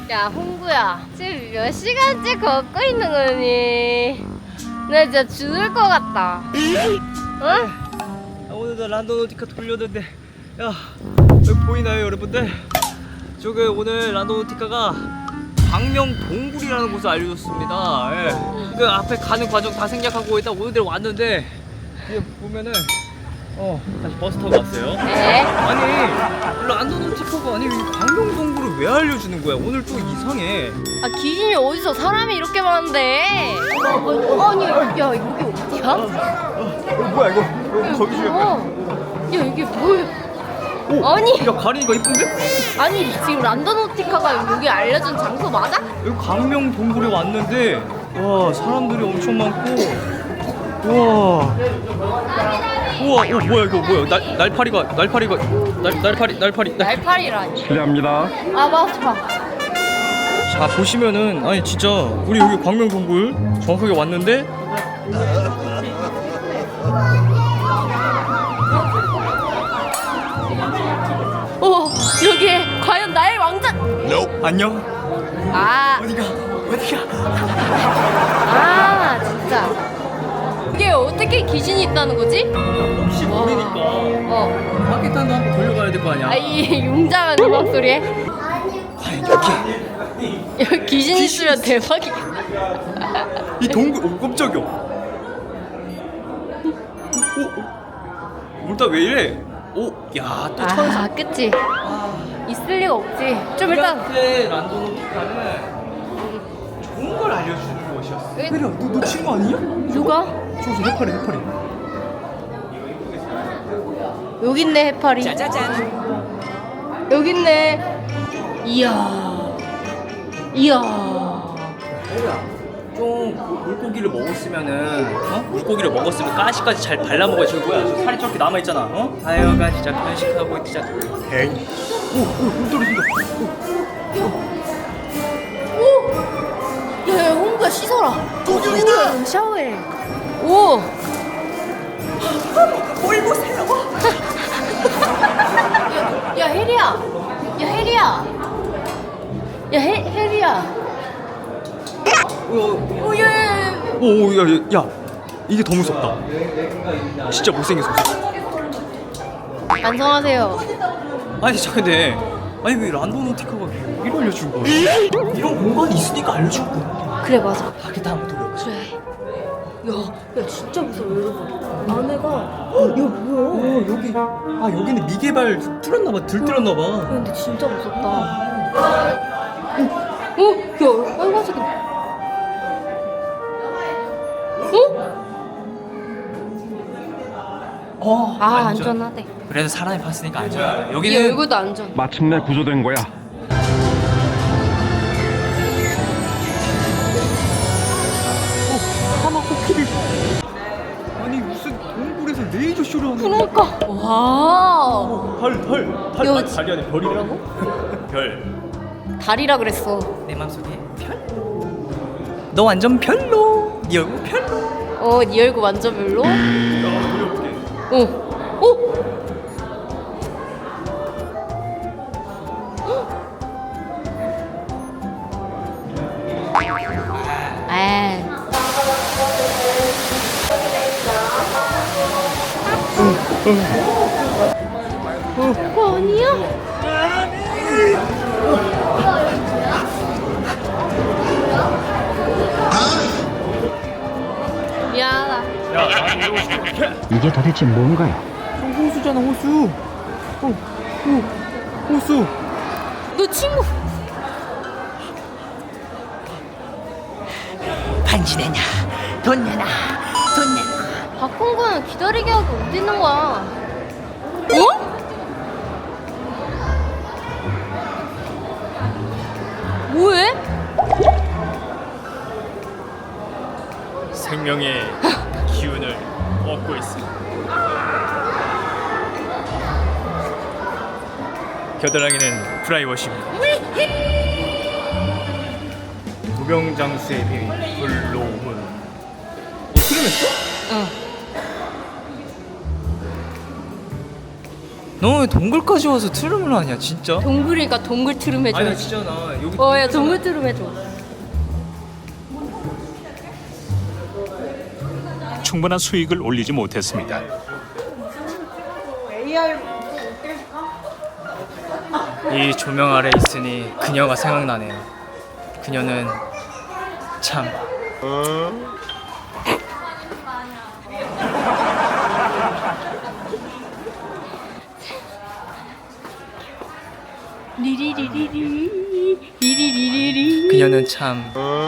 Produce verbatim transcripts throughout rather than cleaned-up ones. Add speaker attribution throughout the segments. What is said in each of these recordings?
Speaker 1: 야 홍구야, 지금 몇 시간째 걷고 있는 거니? 나 진짜 죽을 것 같다. 응?
Speaker 2: 아, 오늘도 란도노티카 돌렸는데, 야 여기 보이나요 여러분들? 저기 오늘 란도노티카가 광명동굴이라는 곳을 알려줬습니다. 예. 그 앞에 가는 과정 다 생략하고 일단 오늘 왔는데 이게 보면은 어 다시 버스 타고 왔어요.
Speaker 1: 네.
Speaker 2: 아니 란도노티카가 아니 이 광명동굴을 왜 알려주는 거야? 오늘 좀 이상해.
Speaker 1: 아 기진이 어디서 사람이 이렇게 많은데? 어, 어, 아니 야 여기 어디야?
Speaker 2: 어, 뭐야 이거? 이거 거기 중에 뭐야?
Speaker 1: 어. 야 이게 뭐야?
Speaker 2: 오,
Speaker 1: 아니.
Speaker 2: 야 가린이가 이쁜데?
Speaker 1: 아니 지금 란도노티카가 여기 알려준 장소 맞아?
Speaker 2: 여기 광명동굴에 왔는데 와 사람들이 엄청 많고 우와 우와 어 뭐야 이거 뭐야 날 날파리가 날파리가 날 날파리 날파리 날...
Speaker 1: 날파리라니.
Speaker 3: 실례합니다.
Speaker 1: 아 맞아.
Speaker 2: 자 보시면은 아니 진짜 우리 여기 광명동굴 정확하게 왔는데
Speaker 1: 어 여기에 과연 나의 왕자?
Speaker 2: 안녕
Speaker 1: 아,
Speaker 2: 어디가 어디가
Speaker 1: 아 진짜 이게 어떻게 귀신이 있다는 거지?
Speaker 2: 혹시
Speaker 1: 와.
Speaker 2: 모르니까
Speaker 1: 어,
Speaker 2: 마켓단도 한번 돌려가야 될 거 아니야.
Speaker 1: 아이 웅장한 음악 소리에
Speaker 2: 과연 여기
Speaker 1: 여기 귀신 있으면 대박이야.
Speaker 2: 이 동굴 오 깜짝이야. 오 일단 왜 이래? 오야또 천사.
Speaker 1: 아, 그치? 있을 리가 없지. 좀 일단
Speaker 2: 우리한테 란도노티카는 좋은 걸 알려주는 곳이었어.
Speaker 1: 왜-
Speaker 2: 그래, 너, 너 친구 아니냐?
Speaker 1: 누가?
Speaker 2: 저저 해파리, 해파리.
Speaker 1: 여기 있네 해파리.
Speaker 2: 짜자잔.
Speaker 1: 여기 있네. 이야, 이야.
Speaker 2: 좀 물고기를 먹었으면은 어? 물고기를 먹었으면 가시까지 잘 발라 먹어야 저기 뭐야? 저 살이 저렇게 남아 있잖아. 어? 하여간 진짜 편식하고 진짜. 에이. 오, 오, 물 떨어진다.
Speaker 1: 오, 야, 야, 홍구야 씻어라. 홍구야 샤워해. 오.
Speaker 2: 뭘 보세요?
Speaker 1: 야, 야 혜리야. 야 혜리야. 야 혜, 혜리야.
Speaker 2: 오,
Speaker 1: 오, 야, 야, 야.
Speaker 2: 오, 야, 야, 야, 이게 더 무섭다. 진짜 못생겼어.
Speaker 1: 반성하세요.
Speaker 2: 아니, 저 근데 아니 왜 란도노티카가 이걸 알려준 거야? 이런 공간이 있으니까 알려준 거야.
Speaker 1: 그래 맞아.
Speaker 2: 하겠다 한번 돌려.
Speaker 1: 그래. 야, 야 진짜 무서워 여러분. 안에가
Speaker 2: 야 뭐야? 어 여기 아 여기는 미개발 뚫었나봐 들뚫었나봐.
Speaker 1: 야, 근데 진짜 무섭다. 어? 어? 야, 빨간색이. 어?
Speaker 2: 어
Speaker 1: 아,
Speaker 2: 안전.
Speaker 1: 안전하대.
Speaker 2: 그래서 사람이 봤으니까 안전하다.
Speaker 1: 얘
Speaker 2: 여기는
Speaker 1: 얼굴도 안전.
Speaker 3: 마침내 구조된 거야.
Speaker 2: 하마 코끼리. 아니 무슨 동굴에서 레이저 쇼를 하는 거야?
Speaker 1: 그러니까. 와.
Speaker 2: 달, 달, 달,
Speaker 1: 야,
Speaker 2: 아니, 달이 아니라 별이라고? 별.
Speaker 1: 달이라 그랬어.
Speaker 2: 내 맘속에 별? 너 완전 별로. 네 얼굴 별로.
Speaker 1: 어, 네 얼굴 완전 별로?
Speaker 2: 야, 우리 어떻게?
Speaker 1: 어. 어? 아. 그거 아니야? 미안하다.
Speaker 2: 야, 나한테 이러고 싶어.
Speaker 3: 이게 도대체 뭔가요?
Speaker 2: 호수잖아, 호수. 어, 어, 호수.
Speaker 1: 너 친구.
Speaker 4: 반지 내냐 돈 내놔 돈 내놔
Speaker 1: 박홍구는 기다리게 하고 어디 있는 거야? 어? 뭐해?
Speaker 2: 생명의 기운을 얻고 있습니다. 겨드랑이는 프라이워시입니다. 무병장수의 비밀 불로문. 어, 수련했어?
Speaker 1: 응.
Speaker 2: 너 왜 동굴까지 와서 트름을 하냐 진짜?
Speaker 1: 동굴이니까 동굴 트름
Speaker 2: 아니 나
Speaker 1: 해줘야지.
Speaker 2: 진짜 나 여기
Speaker 1: 어, 야 동굴 트름 해줘.
Speaker 5: 충분한 수익을 올리지 못했습니다.
Speaker 2: 이 조명 아래 있으니 그녀가 생각나네요. 그녀는 참
Speaker 1: 리리리리리 리리리리리.
Speaker 2: 그녀는 참.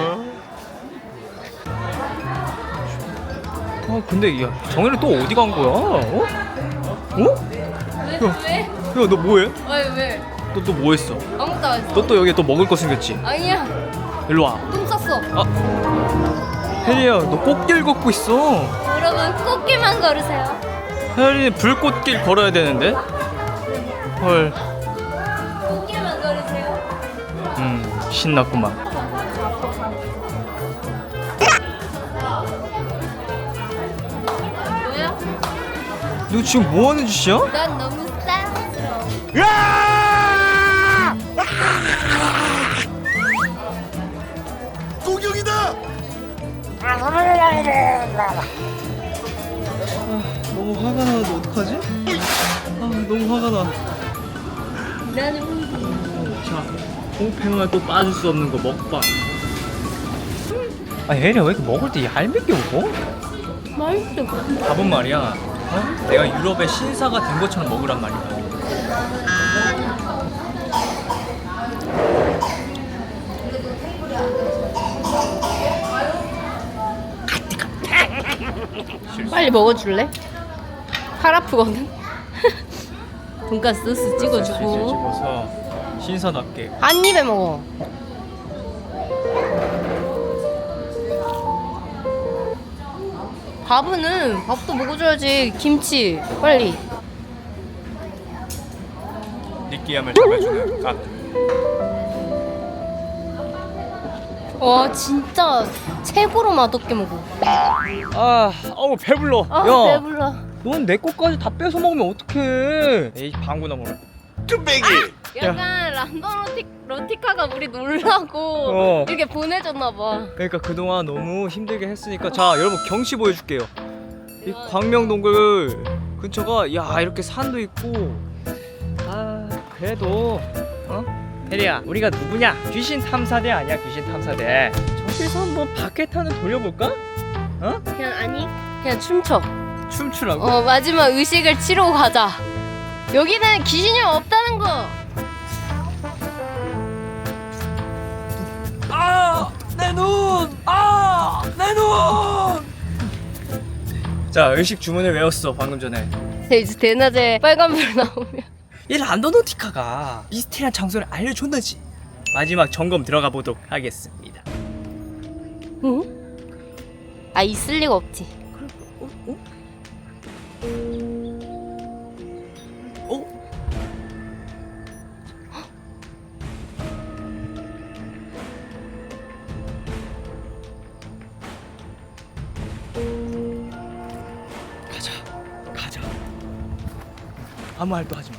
Speaker 2: 아 근데 야 정현이 또 어디 간 거야? 어? 어?
Speaker 1: 왜? 왜?
Speaker 2: 야 너 뭐해?
Speaker 1: 왜 왜?
Speaker 2: 너 또 뭐 했어?
Speaker 1: 아무것도 안 했어.
Speaker 2: 너 또 여기 또 먹을 거 생겼지?
Speaker 1: 아니야.
Speaker 2: 일로 와.
Speaker 1: 똥 쌌어.
Speaker 2: 혜리야 너 꽃길 걷고 있어.
Speaker 1: 여러분 꽃길만 걸으세요.
Speaker 2: 혜리 불꽃길 걸어야 되는데. 헐.
Speaker 1: 꽃길만 걸으세요.
Speaker 2: 음 신났구만.
Speaker 1: 뭐야?
Speaker 2: 너 지금 뭐 하는 짓이야?
Speaker 1: 난 너무 사랑스러워.
Speaker 2: 너무 화가 나는데 어떡하지? 아 너무 화가 나.
Speaker 1: 나는
Speaker 2: 자, 홍팽을 또 빠질 수 없는 거 먹방. 아 혜리야 왜 이렇게 먹을 때 얄밉게 먹어?
Speaker 1: 맛있어.
Speaker 2: 밥은 말이야 어? 내가 유럽의 신사가 된 것처럼 먹으란 말이야.
Speaker 1: 빨리 먹어줄래? 팔 아프거든. 돈가스 소스
Speaker 2: 소스를
Speaker 1: 찍어주고
Speaker 2: 집어서 신사답게.
Speaker 1: 한 입에 먹어. 밥은 밥도 먹어줘야지. 김치 빨리.
Speaker 2: 느끼함을 잡아주는 각.
Speaker 1: 와 진짜 최고로 맛없게 먹어.
Speaker 2: 아, 어우 배불러.
Speaker 1: 아
Speaker 2: 야,
Speaker 1: 배불러.
Speaker 2: 넌 내 것까지 다 뺏어 먹으면 어떡해? 에이 방구나 먹어.
Speaker 1: 약간 란던 로티, 로티카가 우리 놀라고
Speaker 2: 어.
Speaker 1: 이렇게 보내줬나 봐.
Speaker 2: 그러니까 그동안 너무 힘들게 했으니까 자 여러분 경치 보여줄게요. 이 광명동굴 근처가 야 이렇게 산도 있고 아 그래도 어 혜리야 우리가 누구냐? 귀신 탐사대 아니야 귀신 탐사대. 저기서 한번 바켓 타는 돌려볼까? 어?
Speaker 1: 그냥 아니 그냥 춤춰.
Speaker 2: 춤추라고?
Speaker 1: 어 마지막 의식을 치러 가자. 여기는 귀신이 없다는 거.
Speaker 2: 아! 내 눈! 아! 내 눈! 자 의식 주문을 외웠어 방금 전에.
Speaker 1: 이제 대낮에 빨간불 나오면
Speaker 2: 이 란도노티카가 미스테리한 장소를 알려줬는지 마지막 점검 들어가 보도록 하겠습니다.
Speaker 1: 응? 아 있을 리가 없지.
Speaker 2: 어? 어? 어? 가자, 가자. 아무 말도 하지 마.